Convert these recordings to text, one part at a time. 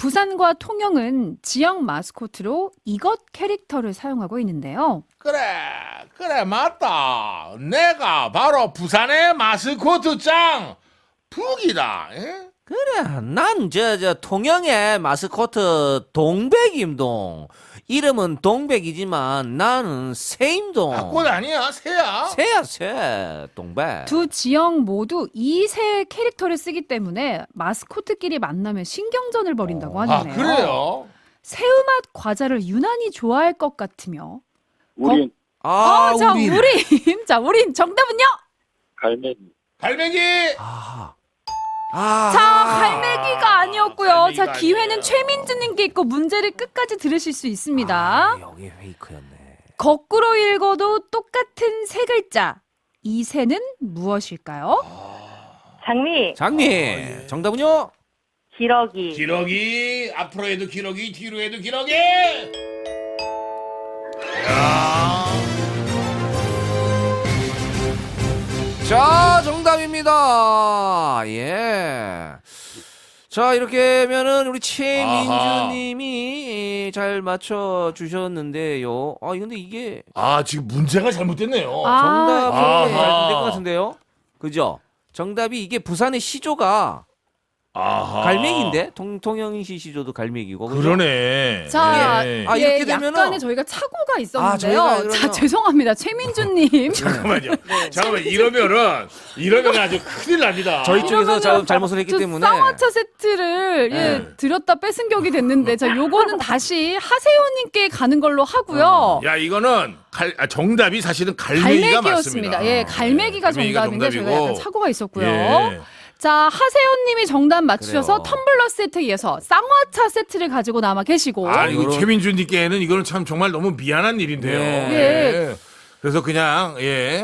부산과 통영은 지역 마스코트로 이것 캐릭터를 사용하고 있는데요. 그래 맞다. 내가 바로 부산의 마스코트 짱 북이다. 에? 그래, 난 통영의 마스코트 동백임동. 이름은 동백이지만 나는 새임동. 꽃 아니야 새야. 새야 새 동백. 두 지역 모두 이 새 캐릭터를 쓰기 때문에 마스코트끼리 만나면 신경전을 벌인다고 하네요. 그래요? 새우맛 과자를 유난히 좋아할 것 같으며. 우린 자, 우리. 우린 정답은요? 갈매기. 갈매기. 자, 갈매기가 아니었고요. 자, 갈매기가 기회는 아니에요. 최민주님께 있고 문제를 끝까지 들으실 수 있습니다. 여기 페이크였네. 거꾸로 읽어도 똑같은 세 글자. 이 새는 무엇일까요? 장미, 장미. 정답은요? 기러기. 기러기. 앞으로 해도 기러기, 뒤로 해도 기러기. 야. 자, 정답입니다. 예. 자, 이렇게 하면은 우리 최민주님이 잘 맞춰 주셨는데요. 근데 이게 지금 문제가 잘못됐네요. 정답이 아하. 될것 같은데요. 그죠? 정답이 이게 부산의 시조가 아하. 갈매기인데 통영시 시조도 갈매기고. 그죠? 그러네. 자, 예. 이렇게 되면은- 약간의 저희가 착오가 있었는데요. 저희가 그러면- 자, 죄송합니다. 최민주님. 잠깐만요. 잠깐만 이러면 아주 큰일 납니다. 저희 쪽에서 이러면은 잘못을 했기 저 때문에 쌍화차 세트를 네. 드렸다 뺏은 격이 됐는데, 자, 요거는 다시 하세호님께 가는 걸로 하고요. 야 이거는 정답이 사실은 갈매기가 맞습니다. 갈매기였습니다. 예, 갈매기가 정답인데 저희가 약간 정답이고. 착오가 있었고요. 예. 자, 하세호님이 정답 맞추셔서 그래요. 텀블러 세트에 이어서 쌍화차 세트를 가지고 남아 계시고. 이거 요런- 최민주님께는 이거는 참 정말 너무 미안한 일인데요. 네. 예. 그래서 그냥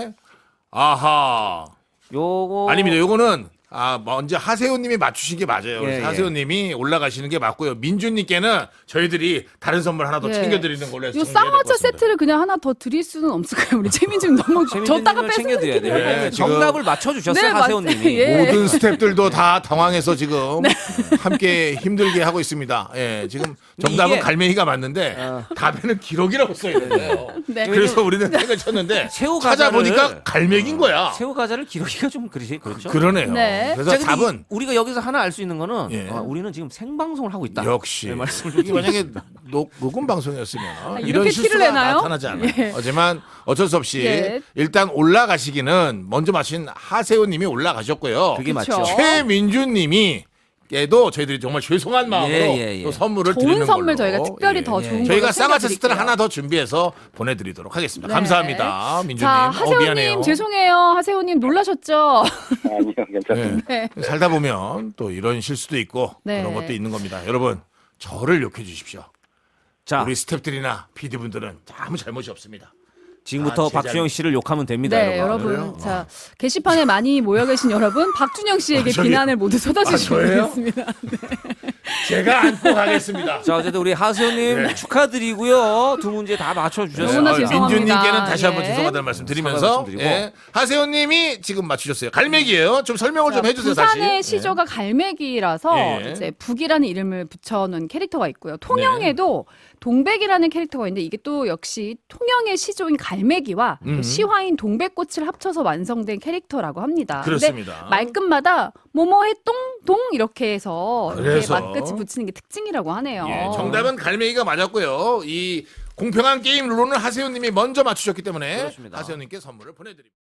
아하. 요거 아닙니다. 요거는 먼저 하세호님이 맞추신 게 맞아요. 그래서 예. 하세호님이 올라가시는 게 맞고요. 민주님께는 저희들이 다른 선물 하나 더 예. 챙겨드리는 걸로 해서 요 정리해야 될것 쌍화차 같습니다. 세트를 그냥 하나 더 드릴 수는 없을까요? 우리 최민주님 너무 줬다가 뺏은 챙겨드려야 느낌이에요. 돼요. 예, 지금- 정답을 맞춰주셨어요, 네, 하세호님이. 맞습니다. 예. 모든 스탭들도 다 당황해서 지금 네. 함께 힘들게 하고 있습니다. 예, 지금 정답은 이게- 갈매기가 맞는데 답에는 기러기라고 써 있는데요. 네. 그래서 우리는 택을 쳤는데 새우 찾아보니까 과자를- 갈매기인 거야. 새우 과자를 기러기가 좀 그렇죠. 그러네요. 네. 그래서 자, 근데 답은 우리가 여기서 하나 알 수 있는 거는 예. 우리는 지금 생방송을 하고 있다. 역시 네, 말씀을 좀 이게 만약에 녹음 방송이었으면 이렇게 이런 티를 실수가 내나요? 나타나지 않아요. 예. 하지만 어쩔 수 없이 예. 일단 올라가시기는 먼저 마신 하세호님이 올라가셨고요. 그게 그쵸. 맞죠. 최민주님이 께도 저희들이 정말 죄송한 마음으로 예. 또 선물을 좋은 드리는 선물 걸로. 저희가 특별히 더 좋은 저희가 걸로 쌍화차 세트를 챙겨드릴게요. 하나 더 준비해서 보내드리도록 하겠습니다. 네. 감사합니다, 민주님. 자, 하세호님 미안해요. 죄송해요. 하세호님 놀라셨죠? 아니요, 괜찮습니다. 네. 살다 보면 또 이런 실수도 있고 네. 그런 것도 있는 겁니다. 여러분 저를 욕해 주십시오. 자, 우리 스태프들이나 PD분들은 아무 잘못이 없습니다. 지금부터 제자리. 박주영 씨를 욕하면 됩니다, 네, 여러분. 여러분. 그래요? 자, 게시판에 많이 모여 계신 여러분, 박준영 씨에게 저기- 비난을 모두 쏟아주시면 저예요? 되겠습니다. 제가 안고 가겠습니다. 자, 어쨌든 우리 하세호님 네. 축하드리고요. 두 문제 다 맞춰주셨어요. 너무나 죄송합니다. 민주님께는 다시 한번 예. 죄송하다는 말씀 사과 드리면서 말씀드리고. 하세호님이 지금 맞추셨어요. 갈매기예요. 좀 설명을 좀 자, 해주세요. 부산의 다시. 시조가 갈매기라서 예. 이제 북이라는 이름을 붙여놓은 캐릭터가 있고요. 통영에도 동백이라는 캐릭터가 있는데 이게 또 역시 통영의 시조인 갈매기와 또 시화인 동백꽃을 합쳐서 완성된 캐릭터라고 합니다. 그렇습니다. 근데 말끝마다 뭐뭐해 똥동 이렇게 해서 이렇게 그래서- 말끝이 붙이는 게 특징이라고 하네요. 예, 정답은 갈매기가 맞았고요. 이 공평한 게임 룰로는 하세호님이 먼저 맞추셨기 때문에 그렇습니다. 하세호님께 선물을 보내드립니다.